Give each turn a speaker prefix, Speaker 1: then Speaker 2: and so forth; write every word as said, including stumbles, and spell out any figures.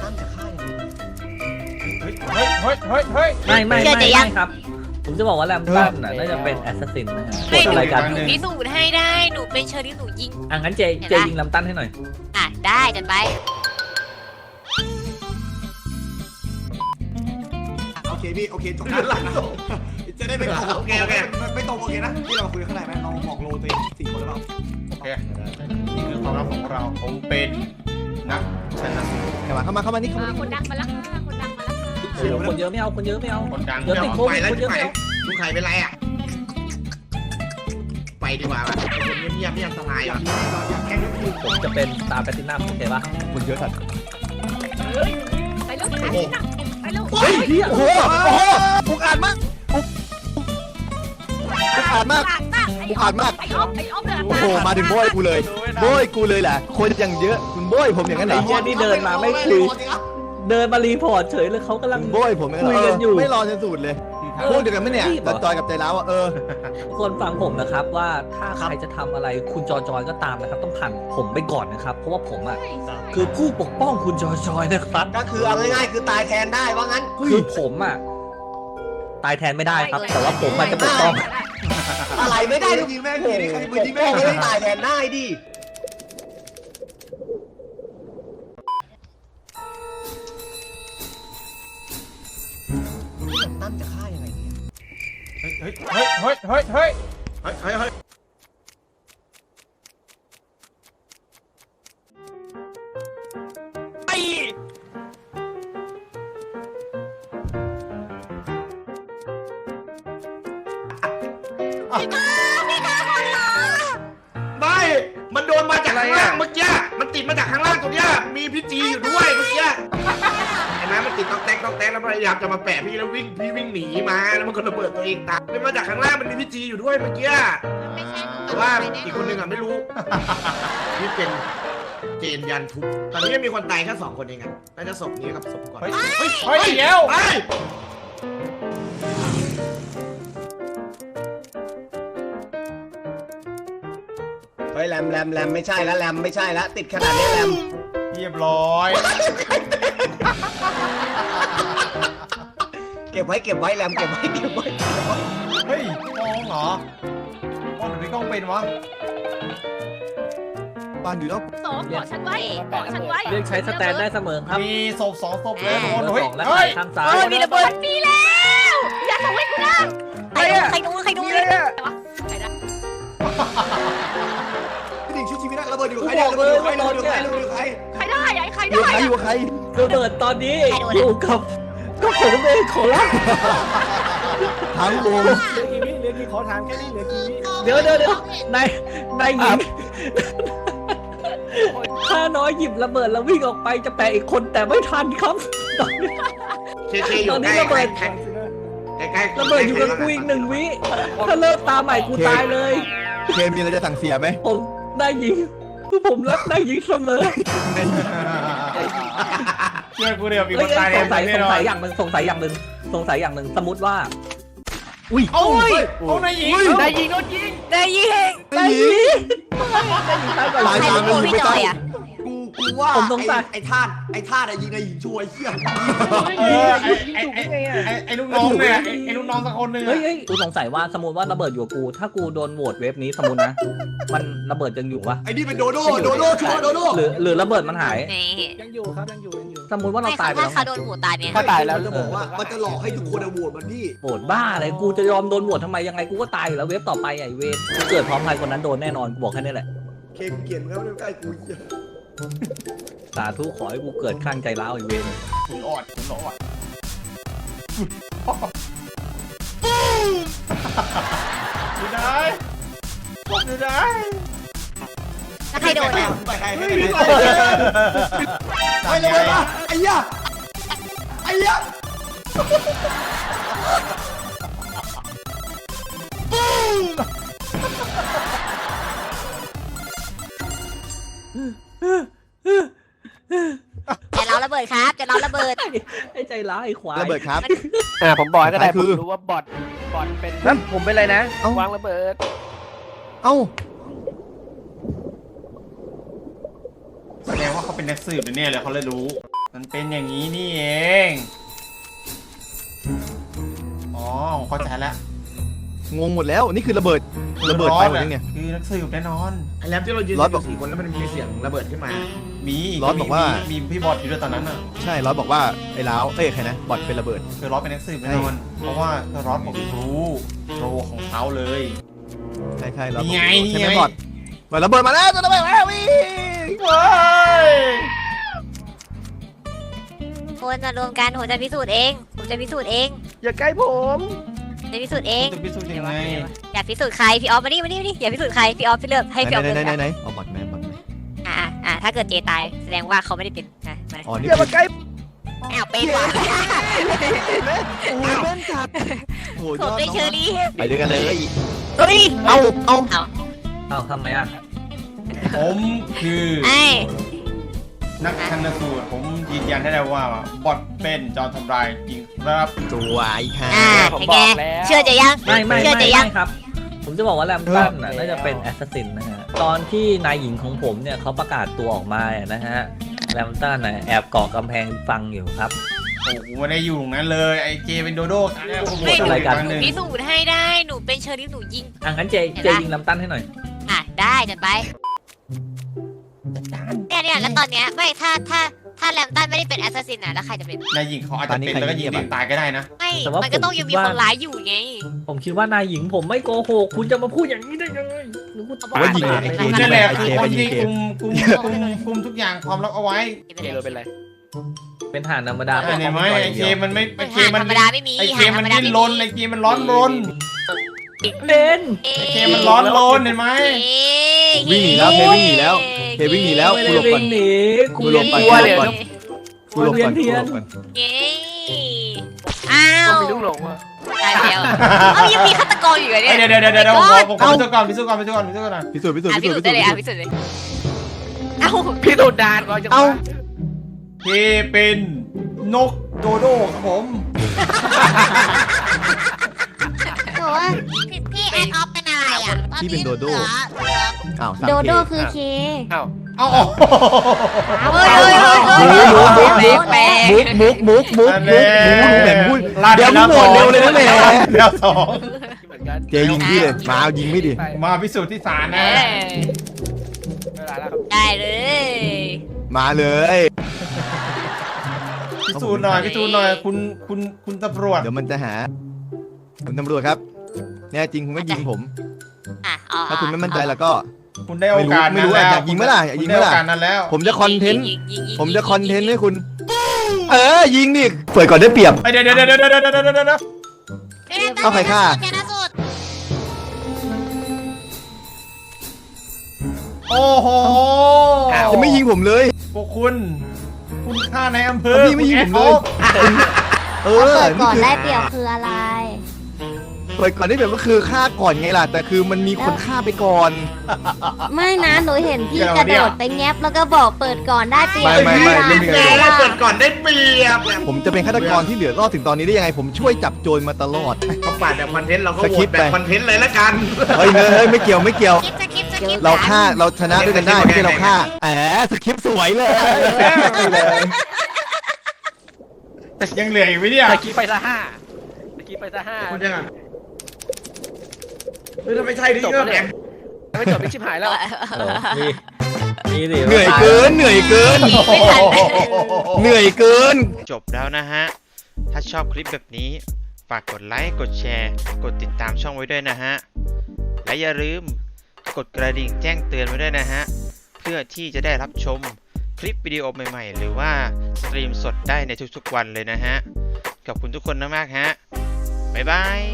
Speaker 1: ตั้มจะฆ่ายังไง
Speaker 2: เฮ้ยเฮ้ยเฮ้ยเฮ้ยเฮ้ย
Speaker 3: ไม่ไม่ไม่ไม่ครับผมจะบอกว่าแรมตันน่ะน่าจะเป็นแอสซัสซินนะฮะ
Speaker 4: ไม่หนู
Speaker 3: อะไรกัน
Speaker 4: หนูพิสูจน์ให้ได้หนูเป็นเชอรี่หนูยิง
Speaker 3: อ่ะงั้นเจเจยิงแรมตันให้หน่อย
Speaker 4: อ่ะได้จัดไป
Speaker 1: โอเคพี่โอเคจบนะจะได้ไม่ตรงโอเคโอเคไม่ตรงโอเคนะที่เราคุยข้างในไหมเราบอกโลตัวเองสี่คนหรือเปล่า
Speaker 2: โอเคนี่คือความลับของเราผมเป็นนักชนะสูตร
Speaker 1: เข้ามาเข้ามาเข้ามานี่เข้ามา
Speaker 4: คนดังมาแล้วค่ะคนดังมาแล้วค่ะ
Speaker 3: โอ้โหคนเยอะไม่เอาคนเยอะไม่เอา
Speaker 2: คนดัง
Speaker 3: เดี๋ยวติดโควิดคนเยอะไม่เอา
Speaker 5: ลุงไข่เป็นไรอ่ะ ไปดีกว่าว่ะคนเงียบๆนี่อันตรายว่ะ
Speaker 3: ผมจะเป็นตาแพลตินัมโอเคปะ
Speaker 1: คนเยอะสัตว์
Speaker 4: ไปเร็วไปเร็วไปเร็ว
Speaker 3: เฮ้ยเฮีย
Speaker 1: โอ้โหโอ้โหอุกอาจมากอุกอาจมาก อุกอาจมาก
Speaker 4: ไอ้อ้อมไอ้อ้อมเลย
Speaker 1: โอ้โหมาถึงโบยกูเลยโบยกูเลยแหละคนอย่างเยอะคุณโบยผมอย่างนั้นเหร
Speaker 3: ไอ้
Speaker 1: อ
Speaker 3: เฮียนี่เดินมาไม่คุยเดินมารีพอร์ตเฉยเลยเขากำลัง
Speaker 1: โบยผม
Speaker 3: คุยกันอยู่
Speaker 1: ไม่รอจนสุดเลยพวกเดียวกันไหมเนี่ยจอยกับใจร้าวอ่ะเออ
Speaker 3: คนฟังผมนะครับว่าถ้าใครจะทำอะไรคุณจอจอยก็ตามนะครับ ต้องผ่านผมไปก่อนนะครับ เพราะว่าผมอ่ะคือผู้ปกป้องคุณจอจอยนะครับ
Speaker 5: ก็คือเอาง่ายๆคือตายแทนได้ว่างั้น
Speaker 3: คือผมอ่ะตายแทนไม่ได้ครับ แต่ว่าผมอาจจะปกป้อง
Speaker 5: อะไรไม่ได้ลูก
Speaker 1: ยิงแม่
Speaker 5: โอ้
Speaker 1: ที
Speaker 5: โห
Speaker 1: นี่ใคร
Speaker 5: ป
Speaker 1: ปืน
Speaker 5: ก
Speaker 1: ยิง
Speaker 5: ป้
Speaker 1: แม่
Speaker 5: อง
Speaker 1: เล
Speaker 5: ไม่
Speaker 1: ย
Speaker 5: ได้ตายแทนได้ดิ
Speaker 1: ตั้มจะฆ่ายังไงเนี่ย
Speaker 2: เฮ้ยเฮ้ยเฮ้ยเฮ้ยเฮ้ยเฮ้ย
Speaker 5: เฮ้ยเฮ้ยเฮ้ย ไม่ มันโดนมาจากข้างล่างเมื่อกี้ มันติดมาจากข้างล่างตรงเนี้ย มีพี่จีอยู่ด้วยเมื่อกี้เห็นไหมมันติดต๊อกแต๊กต๊อกแต๊กแล้วพยายามจะมาแปะพี่แล้ววิ่งพี่วิ่งหนีมาแล้วมันก็ระเบิดตัวเองตายเป็นมาจากข้างล่างมันมีพี่จีอยู่ด้วยเมื่อกี้
Speaker 4: ไม่ใช่หนู
Speaker 5: แต่ว่าอีกคนนึงอ่ะไม่รู้ นี่เป็นเจนยันทุบตอนนี้ยังมีคนตายแค่สองคนเองอ่ะน่าจะศพนี้กับศพก่อน
Speaker 2: เฮ้ยเฮ้ยเฮ้ยเดี๋ยว
Speaker 5: ไป
Speaker 1: เฮ้ยแรมแรมแรมไม่ใช่แล้วแรมไม่ใช่แล้วติดขนาดนี้แรม
Speaker 2: เรียบร้อย
Speaker 1: เก็บไว้เก็บไว้แรมเก็บไว้เก็บไว้
Speaker 2: เฮ้ยกล้องเหรอกล้องหรือไม่กล้องเป็นวะ
Speaker 1: บ้านอยู่แล้ว
Speaker 4: สองเกาะฉันไว้เกาะฉันไว้
Speaker 3: เรียกใช้สแตนได้เสมอครับ
Speaker 2: มีศพสองศพแล้วโดน
Speaker 3: เบอ
Speaker 2: เฮ้
Speaker 3: ร์
Speaker 2: ย
Speaker 3: สองและ
Speaker 2: เฮ้ย
Speaker 3: ข้างซ้าย
Speaker 4: เออมีระเบิดมีแล้วอย่าส่งให้กูนะใครดูใครดูใครดูเลยใครได้
Speaker 1: พี่ดิ่งชุดชีวิตระเบิดอยู่ใครเนี่ยระเบิดอยู่ใครระเบิดอยู่ใครระเบิดอยู่ใคร
Speaker 4: ใครได้ไอ้ใคร
Speaker 1: อยู่
Speaker 4: ได้
Speaker 1: ใครอยู่ใคร
Speaker 3: ระเบิดตอนนี้อยู่กับก็ผมเองขอรับ
Speaker 1: ทั้งวง
Speaker 3: เดี๋ยวเดี๋ยวเดี๋ยวนายนายหญิงข้าน้อยหยิบระเบิดแล้ววิ่งออกไปจะแปะอีกคนแต่ไม่ทันครับ
Speaker 5: เคเคอยู่ใกล้ใกล้ใกล้ใกล้
Speaker 3: ระเบิดอยู่กับกูอีกหนึ่งวิถ้าเลิกตาใหม่กูตายเลย
Speaker 1: เคมีอะไรจะสั่งเสียไหม
Speaker 3: ผมนายหญิงผมรักนายหญิงเสมอ
Speaker 2: เชื่อกูเดียวมีค
Speaker 3: เฮ้ย
Speaker 2: นตาย
Speaker 3: สงสัย
Speaker 2: แน่
Speaker 3: สง
Speaker 2: นอ
Speaker 3: สั
Speaker 2: น
Speaker 3: ยอย่างหนึ่งสงสัยอย่างหนึ่งสงสัยอย่างหนึ่งสมมติว่า
Speaker 1: อุ้ย
Speaker 2: โอ้ยโอ้นายหญิงนายหญิงโดนยิง
Speaker 4: ได้ยิง
Speaker 3: นายหญิง
Speaker 1: ตาย
Speaker 4: ใคร
Speaker 1: ตาม
Speaker 4: เป็น
Speaker 1: เลย
Speaker 4: พี่
Speaker 1: ไม่
Speaker 4: จ
Speaker 1: ต้
Speaker 4: อ
Speaker 1: อง
Speaker 4: ยอ่ะ
Speaker 1: กูกูว่า
Speaker 3: ผมสงสัย
Speaker 1: ไอ้ธาตุไอ้ธาตุอะยิงไอ้ยิงช่วยเชี่ย
Speaker 2: เออไอ้ไอ้ไอ้ไอ้ไอ้ลูกน้องเนี่ยไอ้ไอ้ลูกน้องสักคนหนึ่ง
Speaker 3: เฮ้ยเฮ้ยกูสงสัยว่าสมมติว่าระเบิดอยู่กับกู ถ้ากูโดนโหวตเวฟนี้สมมตินะ มันระเบิดยังอยู่ปะ
Speaker 1: ไอ้นี่เป็นโดโดโดโดชัวร์โดโด
Speaker 3: หรือหรือระเบิดมันหาย
Speaker 4: นี่
Speaker 6: ยังอยู่ครับยังอยู่ยังอยู่
Speaker 3: สมมติว่าเรา
Speaker 4: ไม่
Speaker 3: ตาย
Speaker 4: ค่ะ
Speaker 3: ไป
Speaker 4: ถ้า
Speaker 3: แล้ว
Speaker 4: เขาโดนหมูตายเนี่ย
Speaker 6: ถ้าตายแล้ว
Speaker 1: จะบอกว่ามันจะหลอกให้ทุกคนโหวตมันพี่
Speaker 3: โหวตบ้าอะไรกูจะยอมโดนโหวตทำไมยังไงกูก็ตายอยู่แล้วเวฟต่อไปไอ้เวฟกูเกิดพร้อมใครคนนั้นโดนแน่นอนกูบอกแค่นี้แหละ
Speaker 1: เคมเกลียดแล้วไม่ใกล้กูเชี่ย
Speaker 3: สาธุขอให้กูเกิดข้างใจร้าวไอ้เวฟ
Speaker 2: ขุนออดขุนออดดูได้ดูได้
Speaker 4: ถ้าใครโดนอ่ะ
Speaker 1: ไปใครไม่ไปไปเลยปะไอ้ยะไอ้ยะ
Speaker 4: จะเราระเบิดครับจะเราระเบิด
Speaker 3: ไอ้ใจร้าวไอ้ควาย
Speaker 1: ระเบิดครับ
Speaker 6: อ่าผมบอกให้ก็ได้
Speaker 1: คื
Speaker 6: ผม
Speaker 1: อ
Speaker 6: รู้ว่าบอทบอทเป็นแล้วผมเป็นอะไรนะ
Speaker 1: เอ้า
Speaker 6: วางระเบิด
Speaker 1: เอ้า
Speaker 2: แสดงว่าเขาเป็นนักสืบเนี่ยเลยเขาเลยรู้ มันเป็นอย่างนี้นี่เอง อ๋อเข้าใจแล้ว
Speaker 7: งงหมดแล้วนี่คือระเบิดระเบิดไปหมดยังเนี่ย
Speaker 2: คือนักสืบแน่นอน
Speaker 5: ไอ้แรมที่เรายืน
Speaker 7: รอดบอก
Speaker 5: สี่คนแล้วมันมีเสียงระเบิดขึ้นมา
Speaker 2: มี
Speaker 7: ร้อนบอกว่า
Speaker 2: มีพี่บอสอยู่ด้วยตอนนั้นอ่ะ
Speaker 7: ใช่ร้อยบอกว่าไอ้ล้าวเอ้ยใครนะบอดเป็นระเบิด
Speaker 2: คือร้อนเป็นนักสืบแน่นอน เพราะว่าร้อนผมรู้โรของเขาเลย
Speaker 7: ใช่ใช่ร้อย
Speaker 2: นี่ไง
Speaker 7: ใช่ไหม
Speaker 2: นี่ไง
Speaker 7: บอดบอดระเบิดมาแล้วจะระเบิดมาแล้ววิ่ง
Speaker 2: ว้าย
Speaker 4: คนมารวมกันผมจะพิสูจน์เองผมจะพิสูจน์เอง
Speaker 6: อย่าใกล้ผม
Speaker 4: จะพิสูจน์เอง
Speaker 2: จะพิสูจน์ยังไง
Speaker 4: อยากพิสูจน์ใครพี่ออฟมานี่มานี่มานี่อย่าพิสูจน์ใครพี่ออฟพี่เลือกให้พี่ออฟ
Speaker 7: ไหน
Speaker 4: เลือก
Speaker 7: ไหนไหนไหนเอาบอดแม่บอดแม่
Speaker 4: อ่าอ่าถ้าเกิดเจตายแสดงว่าเขาไม่ได้เป็นนะมา
Speaker 7: อ๋อนี่
Speaker 6: อย่ามาใกล้
Speaker 4: อ้าวเป็นว่ะ
Speaker 7: โอ้ยแม่นจัดโอ้ย
Speaker 4: ผม
Speaker 7: ยอด
Speaker 4: ได้เชอรี่
Speaker 7: ไปด้วยกันเลย
Speaker 4: เฮ้ย
Speaker 7: เอาเอา
Speaker 3: เอ้าทำไมอ่ะ
Speaker 2: ผมคือ
Speaker 4: ไอ้
Speaker 2: นักชันสูตรผมยืนยันได้เลยว่าบอทเป็นจอมทำลายจริงครับ
Speaker 7: สวยค่ะ
Speaker 4: อ่า
Speaker 6: ผม
Speaker 4: เป็น
Speaker 6: บ
Speaker 4: ไง
Speaker 6: อกแล้ว
Speaker 4: เชื่อใจยัง
Speaker 3: ไม่ไม่
Speaker 4: เชื่อ
Speaker 3: ไม่
Speaker 4: ใจยัง
Speaker 3: ไม่ครับ ผมจะบอกว่าแรมตันน่ะ
Speaker 6: เออ
Speaker 3: น่าจะเป็นแอสซัสซินนะฮะ ตอนที่นายหญิงของผมเนี่ยเขาประกาศตัวออกมาเนี่ยนะฮะแรมตันน่ะแอบเกาะกำแพงฟังอยู่ครับ
Speaker 2: โอ้โหไม่ได้อยู่ตรงนั้นเลยไอเจเป็นโดโด้แน่ผม
Speaker 3: ไม่อะไรกัน
Speaker 2: ครั้งหนึ่ง
Speaker 4: พิสูจน์ให้ได้หนูเป็นเชอรี่หนูยิง
Speaker 3: อ่ะงั้นเจเจยิงแรมตันให้หน่อย
Speaker 4: อ่ะได้จัดไปเนี่ยเนี่ยแล้วตอนเนี้ยไม่ถ้าถ้าถ้าแรมตันไม่ได้เป็นแอสซัสซินนะแล้วใครจะเป็น
Speaker 2: นายหญิงเขาอาจจะเป็นแล้วก็ยิงตัวเองตายก็ได้นะ
Speaker 4: ไม่
Speaker 3: แต่ว่า
Speaker 4: มันก็ต้องยังมี
Speaker 3: ผมคิด
Speaker 4: ค
Speaker 3: ว่า
Speaker 4: นร้ายอยู่ไง
Speaker 3: ผมคิดว่านายหญิงผมไม่โกหกคุณจะมาพูดอย่างนี้ได้ยังไงหนูพูด
Speaker 4: เขาบ
Speaker 3: ปา
Speaker 4: อก
Speaker 7: ว่ายิง
Speaker 3: เล
Speaker 7: เลย ย
Speaker 3: นะ
Speaker 2: นั่นแหละ
Speaker 7: ไอ้
Speaker 2: คือ
Speaker 7: เจ
Speaker 2: คน
Speaker 7: ไปยิง
Speaker 2: ที่
Speaker 7: เก
Speaker 2: คุ
Speaker 7: ม
Speaker 2: มคุมคุมคุมทุกอย่างความลับเอาไว้
Speaker 6: เจโรเป็นไร
Speaker 3: เป็นฐานธรรมดา
Speaker 2: อ่าเนี่ยไหมไอเจมันไม่ไอ
Speaker 4: ไม่
Speaker 2: เจ
Speaker 4: หา
Speaker 2: มัน
Speaker 4: ธรรมดาไม่มี
Speaker 2: ไอเจ
Speaker 4: หาธ
Speaker 2: มั
Speaker 4: ร
Speaker 2: น
Speaker 4: รมดา
Speaker 2: ดิ้น
Speaker 4: ไม่
Speaker 2: ร
Speaker 4: มี
Speaker 2: นไอเจมันร้อนรน
Speaker 3: เป็น
Speaker 4: เอ๊ะ
Speaker 2: ไอเจมันร้อนรนเห็นไหม
Speaker 7: วิ่งหนีแล้วเพวิ่งหนีแล้วเพวิ่งหนีแล้ว
Speaker 3: ไม่
Speaker 7: กู
Speaker 3: ได้
Speaker 7: หลบก่อน
Speaker 3: วิ่งหนี
Speaker 7: กูหลบก่อน
Speaker 3: กลัวเดี๋ยว
Speaker 7: กูหลบก่อนกูหลบก่อน
Speaker 4: เย้อ้าว
Speaker 6: มีลูกหลงอ่ะ
Speaker 4: ตายแล้วเอ้ายังมีฆาตกรอยู่เหรอเนี่ย
Speaker 2: เดี๋ยวเดี๋ยวเดี๋ยวเดี๋ยวผมผมพิสูจน์ก่อนพิสูจน์ก่อนพิสูจน์ก่อนพิสูจน์ก่อน
Speaker 7: พิสูจน์พิสูจ
Speaker 4: อ่ะ
Speaker 7: น์
Speaker 4: พิ
Speaker 7: พิสู
Speaker 4: สู
Speaker 7: จ
Speaker 4: จ
Speaker 7: น์
Speaker 4: น์ได้เลยอ่ะพิสูจน์เลยเอ้า
Speaker 6: พี่ตูดดานก่อนจะ
Speaker 7: เอ้า
Speaker 2: เจเป็นนกโดโด้ครับผม
Speaker 4: โอ้ยพี่พี่แอนออฟเป็นอะไรอ่ะ
Speaker 7: พี่เป็นโดโด้อ้าว
Speaker 8: โดโดคือเค
Speaker 6: เอ้า
Speaker 2: เอา
Speaker 4: เฮ้ยเฮ้ยเฮ้ยเฮ้ย
Speaker 7: มุกมุก
Speaker 4: แปลกแปลก
Speaker 7: มุกมุกมุกมุกมุกมุกแหม่พูดเดี๋ยวมึงโหวตเร็วเลยนะแหม่
Speaker 2: เดี๋ยวสอง
Speaker 6: เหมือนกัน
Speaker 7: เจยิงพี่เลยมาเอายิงไม่ดิ
Speaker 6: ไป
Speaker 2: มาพิสูจน์ที่ศาล
Speaker 4: เอ
Speaker 2: นะ
Speaker 4: อ
Speaker 6: เวลาแล้วครับ
Speaker 4: ได้เลย
Speaker 7: มาเลย
Speaker 2: พิสูจน์หน่อยพิสูจน์หน่อยคุณคุณคุณตำรวจ
Speaker 7: เดี๋ยวมันจะหาคุณตำรวจครับแน่จริงคุณก็ยิงผม
Speaker 4: อ่ะอ๋อ
Speaker 7: ถ้าคุณไม่มั่นใจแล้วก็
Speaker 2: คุณได้โอกาส
Speaker 7: ไม่
Speaker 2: นั้น
Speaker 7: รู้
Speaker 2: แล้ว
Speaker 7: อยากยิงไหมล่ะอยากยิงไหมล่ะ
Speaker 2: คุณด้โอกาสนั้นแล้ว
Speaker 7: ผมจะคอนเทนต์
Speaker 4: ยิงยิงยิง
Speaker 7: ผมจะคอนเทนต์ให้คุณ เออยิงดิเปิดก่อนได้เปรียบ
Speaker 2: เดี๋ยวเดี๋ยวเดี๋ยวเดี๋ยวเดี๋ยวเดี๋ยวเดี๋ยวเดี๋ยว
Speaker 7: เอาใครฆ่า
Speaker 4: ชนะสุด
Speaker 2: โอ้โห
Speaker 7: จะไม่ยิงผมเลย
Speaker 2: พวกคุณ คุณฆ่าในอำเภอ
Speaker 7: แล้วพี่ไม่ยิงผมเลย เออ
Speaker 8: เปิดก่อน
Speaker 7: นี่
Speaker 8: ได้
Speaker 7: คือ
Speaker 8: เปรียบคืออะไร
Speaker 7: เปิดก่อนได้เปรียบก็คือฆ่าก่อนไงล่ะ แต่คือมันมีคนฆ่าไปก่อน
Speaker 8: ไม่นะหนูเห็นพี่กระโดดไปแงบแล้วก็บอกเปิดก่อนได้เปรียบ
Speaker 7: ไม่ไม่ไม่ไม่มี
Speaker 8: เว
Speaker 7: อะไร
Speaker 8: ลา
Speaker 5: เปิดก่อนได้เปรียบ
Speaker 7: ผมจะเป็นฆาตกรที่เหลือรอดถึงตอนนี้ได้ยังไง ผมช่วยจับโจรมาตลอด
Speaker 5: เขาปาดแบบคอนเทนต์เราก็
Speaker 7: ส
Speaker 5: โห
Speaker 7: คริ
Speaker 5: ว
Speaker 7: ป
Speaker 5: ต
Speaker 7: ต์
Speaker 5: แบ
Speaker 7: ไป
Speaker 5: บคอนเทนต์เลยละกัน
Speaker 7: เฮ้ยเนยเฮ้ยไม่เกี่ยวไม่เกี่ยว
Speaker 4: คลิปสคริปต์สคริปต์
Speaker 7: เราฆ่าเราชนะด้วยกันได้ไม่ใช่เราฆ่าแหมสคริปต์สวยเลย
Speaker 2: ยังเหลืออีกไหมเนี่ย
Speaker 6: ตะกี้ไปซะห้าตะกี้ไปซะห้า
Speaker 5: คุณยังไงเฮ้ยถ้าไม่ใช่นี่ก็แหม
Speaker 6: ไม่จบไม่ชิบหายแล้ว
Speaker 3: เออนี่นี่ดิ
Speaker 7: เหนื่อยเกินเหนื่อยเกิน
Speaker 4: ไม่ทัน
Speaker 7: เหนื่อยเกิน
Speaker 9: จบแล้วนะฮะ ถ้าชอบคลิปแบบนี้ ฝากกดไลค์ กดแชร์ กดติดตามช่องไว้ด้วยนะฮะ และอย่าลืมกดกระดิ่งแจ้งเตือนไว้ด้วยนะฮะ เพื่อที่จะได้รับชมคลิปวิดีโอใหม่ๆ หรือว่าสตรีมสดได้ในทุกๆวันเลยนะฮะ ขอบคุณทุกคนมากๆฮะ บ๊ายบาย